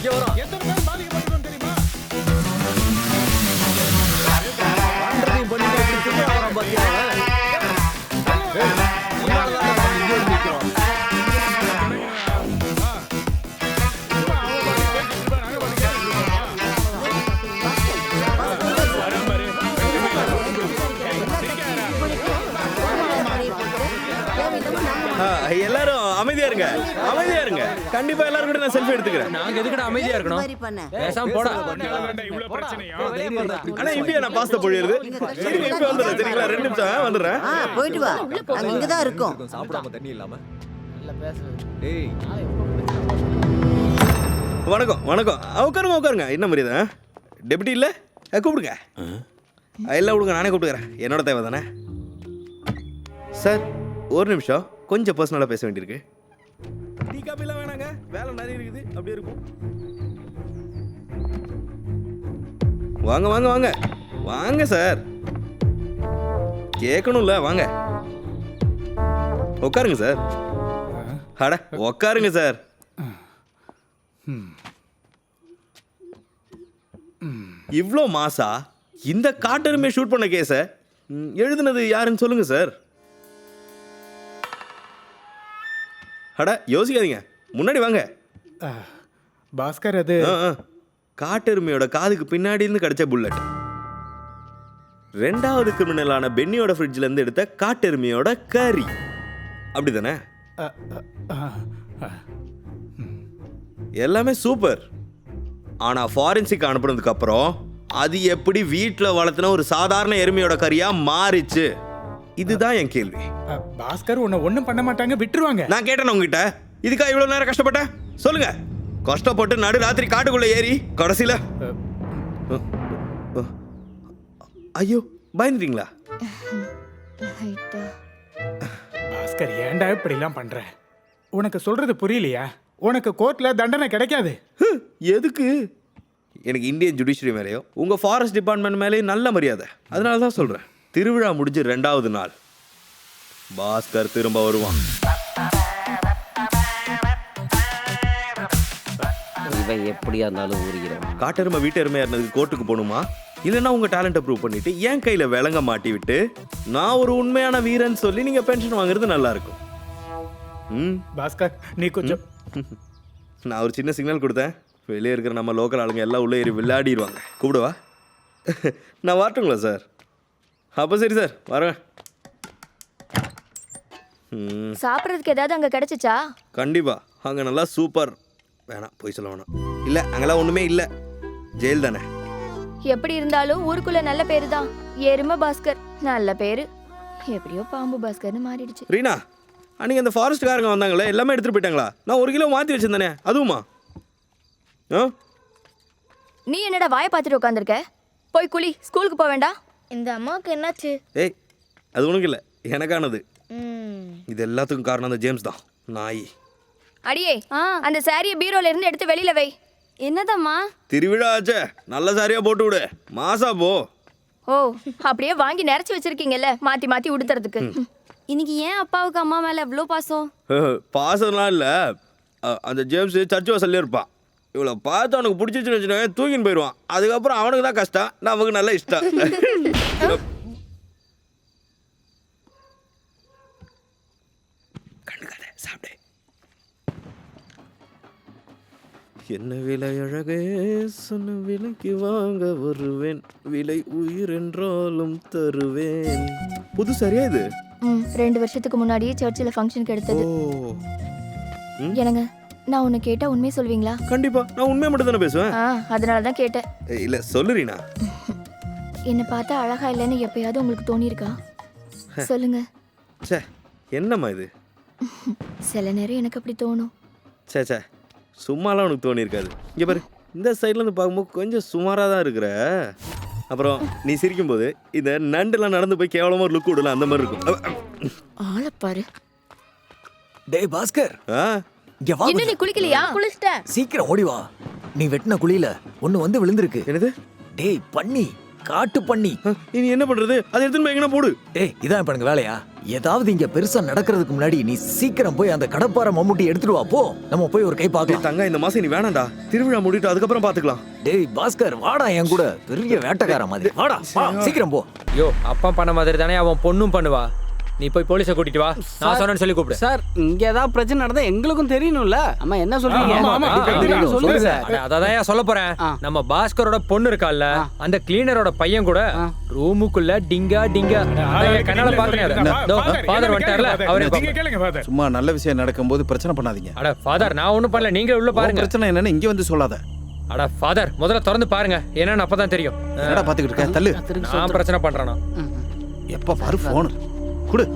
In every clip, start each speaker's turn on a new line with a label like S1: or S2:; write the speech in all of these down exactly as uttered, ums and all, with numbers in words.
S1: இங்க வரோம்.
S2: எத்தனை பேர் பாதிக்கப்பட்டிருக்கோம் தெரியுமா?
S1: பண்றதையும் பண்ணிட்டு எப்படி திரும்ப வரோம் பாத்தியா அவன்? ஏய், உன்னாலதான் நாங்க இங்க வந்து நிக்கிறோம்.
S3: ஆ, எல்லாரும் அமைதியா இருங்க அமைதியா இருங்க கண்டிப்பா எல்லாரும் கூட நான் செல்ஃபி எடுத்துக்கிறேன்.
S4: நாங்க எதுக்குடா அமைதியா இருக்கணும்?
S5: மாதிரி பண்ண
S4: பேசாம போடா.
S2: இவ்வளவு பிரச்சனையா?
S3: ஆனா இப்படியா நான் பாஸ்தா பொழியுறது? இருங்க இப்ப வந்துடுறேன் சரிங்களா? ரெண்டு நிமிஷம் ஆ, வந்துடுறேன்.
S5: ஆ போயிட்டு வா நாங்க இங்க தான் இருக்கோம்.
S1: சாப்பிடாம தண்ணி இல்லாம
S6: டேய்
S3: வணக்கம் வணக்கம் ஆ, உட்காருங்க உட்காருங்க என்ன மரியாதை டெப்டி இல்ல ஆ, கூப்பிடுங்க ஆ, எல்லாம் விடுங்க நானே கூப்பிட்டுக்கிறேன் என்னோட தேவை தானே சார். ஒரு நிமிஷம் கொஞ்சம் பர்சனலாக பேச வேண்டியிருக்கு. டீ காப்பிலாம் வேணாங்க வேலை நிறைய இருக்குது அப்படியே இருக்கும். வாங்க வாங்க வாங்க வாங்க சார் கேட்கணும்ல வாங்க உட்காருங்க சார். அட உட்காருங்க சார். இவ்வளோ மாசா இந்த காட்டெருமையை ஷூட் பண்ண கேஸை எழுதுனது யாருன்னு சொல்லுங்க சார். அட யோசிக்காதீங்க முன்னாடி வாங்க.
S2: பாஸ்கர் அது
S3: ஆ, ஆ. காட்டெருமையோட காதுக்கு பின்னாடி இருந்து கிடைச்ச புல்லட் ரெண்டாவது கிரிமினலான பென்னியோட ஃப்ரிட்ஜ்ல இருந்து எடுத்த காட்டெருமையோட கறி அப்படிதானே?
S2: அ, அ, அ,
S3: எல்லாமே சூப்பர். ஆனா ஃபாரன்சிக் அனுப்புனதுக்கு அப்புறம் அது எப்படி வீட்டில் வளர்த்துன ஒரு சாதாரண எருமையோட கறியா மாறிச்சு? இதுதான் என் கேள்வி.
S2: அ, பாஸ்கர் உன்னை ஒண்ணும் பண்ண மாட்டாங்க விட்டுருவாங்க.
S3: நான் கேட்டேன் உங்ககிட்ட இதுக்கா இவ்வளவு நேரம் கஷ்டப்பட்டேன் சொல்லுங்க. கஷ்டப்பட்டு நடு ராத்திரி காட்டுக்குள்ள ஏறி கடைசியில ஐயோ பயந்துட்டீங்களா?
S2: பாஸ்கர் ஏன்டா இப்படி எல்லாம் பண்ற? உனக்கு சொல்றது புரியலையா? உனக்கு கோர்ட்ல தண்டனை கிடைக்காது.
S3: ஹ், எதுக்கு? எனக்கு இந்தியன் ஜுடிஷியரி மேலேயோ உங்க ஃபாரஸ்ட் டிபார்ட்மெண்ட் மேலேயும் நல்ல மரியாதை. அதனால தான் சொல்றேன். திருவிழா முடிஞ்சு ரெண்டாவது நாள் பாஸ்கர் திரும்ப வருவான்.
S6: இவன் எப்படியா இருந்தாலும் ஊறிக்கிறோம்.
S3: காட்டெருமை வீட்டெருமையா இருந்ததுக்கு கோர்ட்டுக்கு போகணுமா? இல்லைன்னா உங்க டேலண்ட்டை ப்ரூவ் பண்ணிட்டு என் கையில விலங்க மாட்டி விட்டு நான் ஒரு உண்மையான வீரன் சொல்லி நீங்க பென்ஷன் வாங்குறது நல்லா இருக்கும். ம்
S2: பாஸ்கர் நீ கொஞ்சம்
S3: நான் ஒரு சின்ன சிக்னல் கொடுத்தேன். வெளியே இருக்கிற நம்ம லோக்கல் ஆளுங்க எல்லாம் உள்ளே ஏறி விளையாடிடுவாங்க. கூப்பிடுவா நான் வரட்டுங்களா சார்? அப்போ சரி சார் வரேன். ம்
S7: சாப்பிட்றதுக்கு ஏதாவது அங்க கிடைச்சிச்சா?
S3: கண்டிப்பா அங்கே நல்லா சூப்பர். வேணாம் போய் சொல்ல வேணாம். இல்லை அங்கெல்லாம் ஒன்றுமே இல்லை ஜெயில் தானே.
S7: எப்படி இருந்தாலும் ஊருக்குள்ள நல்ல பேரு தான். எருமை பாஸ்கர் நல்ல பேரு. எப்படியோ பாம்பு பாஸ்கர்னு மாறிடுச்சு.
S3: ரீனா அன்றைக்கி அந்த ஃபாரஸ்ட்காரங்க வந்தாங்களே எல்லாமே எடுத்துகிட்டு போயிட்டாங்களா? நான் ஒரு கிலோ மாற்றி வச்சிருந்தேனே அதுவுமா? ஆ
S7: நீ என்னடா வாயை பார்த்துட்டு உட்காந்துருக்க? போய் குளி, ஸ்கூலுக்கு போக வேண்டாம்.
S8: இந்த அம்மாவுக்கு என்னாச்சு?
S3: ஏய் அது உனக்கு இல்லை எனக்கானது. இது எல்லாத்துக்கும் காரணம் அந்த ஜேம்ஸ் தான் நாய்.
S7: அடியே அந்த சாரியை பீரோல இருந்து எடுத்து வெளியில வை.
S8: என்னதம்மா?
S3: திருவிழா ஆச்சே நல்ல சாரியா போட்டு விடு மாசா போ.
S7: ஓ அப்படியே வாங்கி நிறச்சி வச்சிருக்கீங்கல்ல மாத்தி மாத்தி உடுத்துறதுக்கு.
S8: இன்னைக்கு ஏன் அப்பாவுக்கு அம்மா மேல எவ்வளோ பாசம்?
S3: பாசம்லாம் இல்லை. அந்த ஜேம்ஸ் சர்ச் வாசல்லே இருப்பான். இவ்வளோ பார்த்து அவனுக்கு பிடிச்சிச்சுன்னு வச்சுக்கோங்க தூக்கின்னு போயிடுவான். அதுக்கப்புறம் அவனுக்கு தான் கஷ்டம், நமக்கு நல்ல இஷ்டம். கண்டுக்காத சாப்பிடு. என்ன விலை அழகே சொன்ன விலைக்கு வாங்க வருவேன், விலை உயிர் என்றாலும் தருவேன். புது சரியா இது?
S7: ம் ரெண்டு வருஷத்துக்கு முன்னாடியே சர்ச்சில் ஃபங்க்ஷனுக்கு எடுத்தது. என்னங்க நான் உன்னை கேட்டா உண்மையை சொல்வீங்களா?
S3: கண்டிப்பா நான் உண்மையை மட்டும் தானே பேசுவேன்.
S7: ஆ அதனால தான் கேட்டேன்.
S3: இல்ல சொல்லுறீனா?
S7: என்னை பார்த்தா அழகா இல்லைன்னு எப்பயாவது உங்களுக்கு தோணியிருக்கா? சொல்லுங்க.
S3: சே என்னம்மா இது?
S7: சில நேரம் எனக்கு அப்படி தோணும்.
S3: சே சே சும்மாலாம் உனக்கு தோணியிருக்காது. இங்கே பாரு இந்த சைட்லேருந்து பார்க்கும்போது கொஞ்சம் சுமாராக தான் இருக்கிற. அப்புறம் நீ சிரிக்கும்போது இந்த நண்டுலாம் நடந்து போய் கேவலமாக ஒரு லுக் விடலாம் அந்த மாதிரி இருக்கும்.
S7: ஆளப்பாரு.
S1: டேய் பாஸ்கர்
S3: ஆ
S1: இங்க வா.
S7: இன்னும் நீ குளிக்கலையா?
S8: குளிச்சிட்டேன்.
S1: சீக்கிரம் ஓடி வா. நீ வெட்டின குழியில ஒண்ணு வந்து விழுந்திருக்கு.
S3: என்னது?
S1: டேய் பண்ணி காட்டு பண்ணி.
S3: இனி என்ன பண்றது? அதை எடுத்துன்னு போய் எங்கன்னா போடு.
S1: டேய் இதான் இப்ப எனக்கு வேலையா? ஏதாவது இங்க பெருசா நடக்கிறதுக்கு முன்னாடி நீ சீக்கிரம் போய் அந்த கடப்பார மம்முட்டி எடுத்துட்டு வா போ. நம்ம போய் ஒரு கை
S3: டேய்
S1: பார்க்கலாம்.
S3: தங்க இந்த மாசம் நீ வேணாம்டா, திருவிழா முடிட்டு அதுக்கப்புறம் பாத்துக்கலாம்.
S1: டேய் பாஸ்கர் வாடா என் கூட, பெரிய வேட்டைக்கார மாதிரி வாடா வா, சீக்கிரம் போ.
S4: யோ அப்பா பண்ண மாதிரி தானே அவன் பொண்ணும் பண்ணுவா. நீ போய் போலீஸை கூட்டிட்டு வா, நான் சொன்னேன்னு சொல்லி கூப்பிடு.
S6: சார் இங்க ஏதாவது பிரச்சனை நடந்தா எங்களுக்கும் தெரியணும்ல. அம்மா என்ன சொல்றீங்க?
S2: ஆமா, ஆமா,
S6: ஆ,
S2: தெரியும்.
S6: சொல்லுங்க சார்.
S4: அட, அததான் சொல்ல போறேன்.
S6: ஆ.
S4: நம்ம பாஸ்கரோட பொண்ணு இருக்கால்ல, அந்த கிளீனரோட பையன் கூட ரூமுக்குள்ள டிங்கா டிங்கா அதான் என் கண்ணால பாத்துறேன். ஃபாதர் வந்துட்டார்ல, அவரே
S2: நீங்க கேளுங்க ஃபாதர்.
S9: சும்மா நல்ல விஷயம் நடக்கும்போது பிரச்சனை பண்ணாதீங்க.
S4: அட ஃபாதர், நான் ஒண்ணும் பண்ணல, நீங்க உள்ள
S9: உன்
S4: பாருங்க.
S9: பிரச்சனை என்னன்னு இங்க வந்து சொல்லாத.
S4: அட ஃபாதர், முதல்ல திறந்து பாருங்க, என்னன்னு அப்பதான் தெரியும்.
S9: என்னடா பாத்துக்கிட்டு இருக்க? தள்ளு.
S4: நான் பிரச்சனை பண்றேனா?
S9: எப்ப பாரு போன் குடு.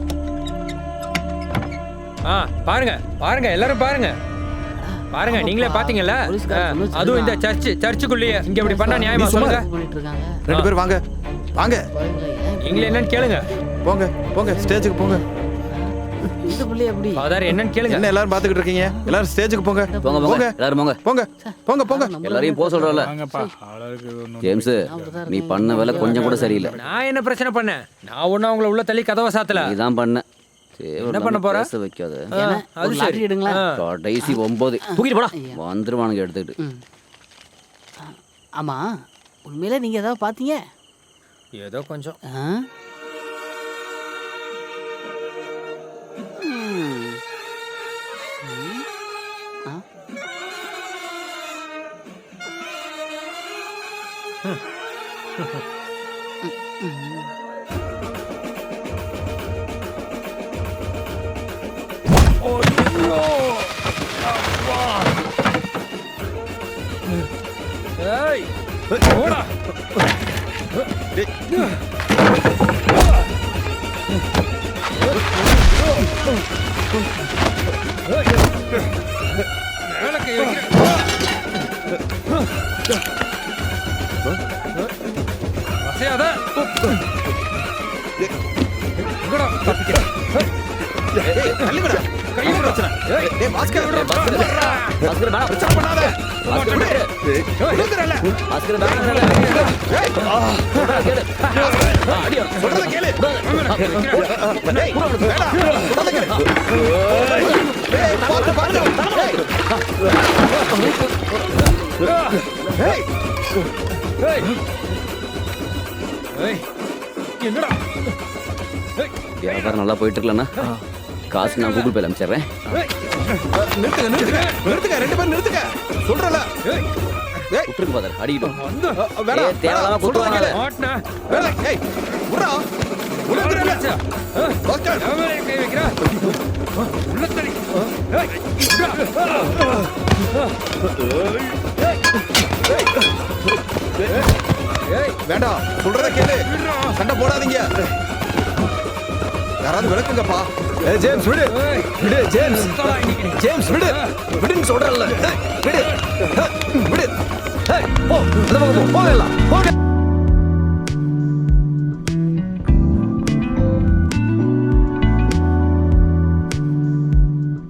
S4: ஆ பாருங்க பாருங்க, எல்லாரும் பாருங்க பாருங்க, நீங்களே பாத்தீங்கல்ல. ஆ, அதுவும் இந்த சர்ச் சர்ச்சுக்குள்ளேயே இங்க இப்படி பண்ணா நியாயமா
S9: நீ சும்மா
S4: சொல்லுங்க?
S6: பண்ணிட்டு இருக்காங்க.
S9: ரெண்டு பேரும் வாங்க வாங்க
S4: நீங்களே என்னன்னு கேளுங்க.
S9: போங்க போங்க ஸ்டேஜுக்கு போங்க.
S6: இந்த புள்ளி எப்படி?
S4: ஃபாதர் என்னன்னு கேளுங்க.
S9: என்ன எல்லாரும் பாத்துக்கிட்டு இருக்கீங்க? எல்லாரும் ஸ்டேஜுக்கு போங்க.
S6: போங்க,
S9: போங்க
S6: எல்லாரும் போங்க.
S9: போங்க போங்க போங்க.
S6: எல்லாரையும் போக சொல்றல.
S2: வாங்கப்பா, ஆளுக்கு ஒண்ணும்
S6: ஜேம்ஸ், நீ பண்ண வேலை கொஞ்சம் கூட சரியில்லை.
S4: நான் என்ன பிரச்சனை பண்ணேன்? நான் ஒன்னும் அவங்கள உள்ள தள்ளி கதவை சாத்தல.
S6: நீதான் பண்ண.
S4: என்ன பண்ண போற?
S6: பேச வைக்காத.
S4: ஆ, அது சரி. ஆ.
S6: கடைசி ஒன்பது தூக்கிட்டு போடா. வந்துருவானுங்க எடுத்துக்கிட்டு. ஆமா, உண்மையில நீங்க ஏதாவது பாத்தீங்க?
S4: ஏதோ கொஞ்சம்.
S6: ஆ? ம். ம். ஆ?
S4: ஏய் போடா. மேல கை வைக்கிறேன். அசையாத. எங்கடா தப்பிக்க?
S9: டேய் தள்ளுங்கடா.
S4: கை விடுறா. ஏய்
S9: டேய் பாஸ்கர் விடுடா.
S6: பாஸ்கர் வேணாம்.
S9: பிரச்சனை பண்ணாத.
S6: பாஸ்கர் விடு.
S9: விடுங்கறல.
S6: பாஸ்கர் வேணாம்.
S9: ஏய்
S6: சொல்றத கேளு. ஆ, அடியா.
S9: சொல்றத கேளு. டேய் வேடா. சொல்றத கேளு. டேய் பாத்து பாத்து. டேய்
S4: ஏய் ஏய் என்னடா? ஏய்
S6: வியாபாரம் நல்லா போயிட்டு இருக்கலன்னா காசு நான் கூகுள் பேல அனுப்பிச்சிடுறேன்.
S4: ஏய்
S9: நிறுத்துங்க நிறுத்துங்க நிறுத்துங்க ரெண்டு பேரும் நிறுத்துங்க. சொல்றல.
S4: ஏய்
S9: ஏய்
S6: விட்டுருக்கு பாதர், அடிக்கிட்டோம்.
S4: வந்து
S9: வேடா.
S6: ஏய், தேவையில்லாம குத்துவாங்க.
S4: மாட்னா.
S9: வேடா. ஏய் விடுடா. விடுங்கறல. பாஸ்கர்
S4: எவன் மேல கை வைக்கிறா? உள்ள தள்ளி. ஏய் ஏய்
S9: வேண்டாம் சொல்றத கேளு. சண்டை போடாதீங்க. யாராவது விளக்குங்கப்பா.
S1: ஏய் ஜேம்ஸ் விடு. விடு ஜேம்ஸ்.
S4: சுத்தடா இன்னைக்கு.
S1: ஜேம்ஸ் விடு. விடுன்னு சொல்றல்ல. விடு. விடு. ஏய் போ. அந்த பக்கம் போ. போகலாம். போங்க.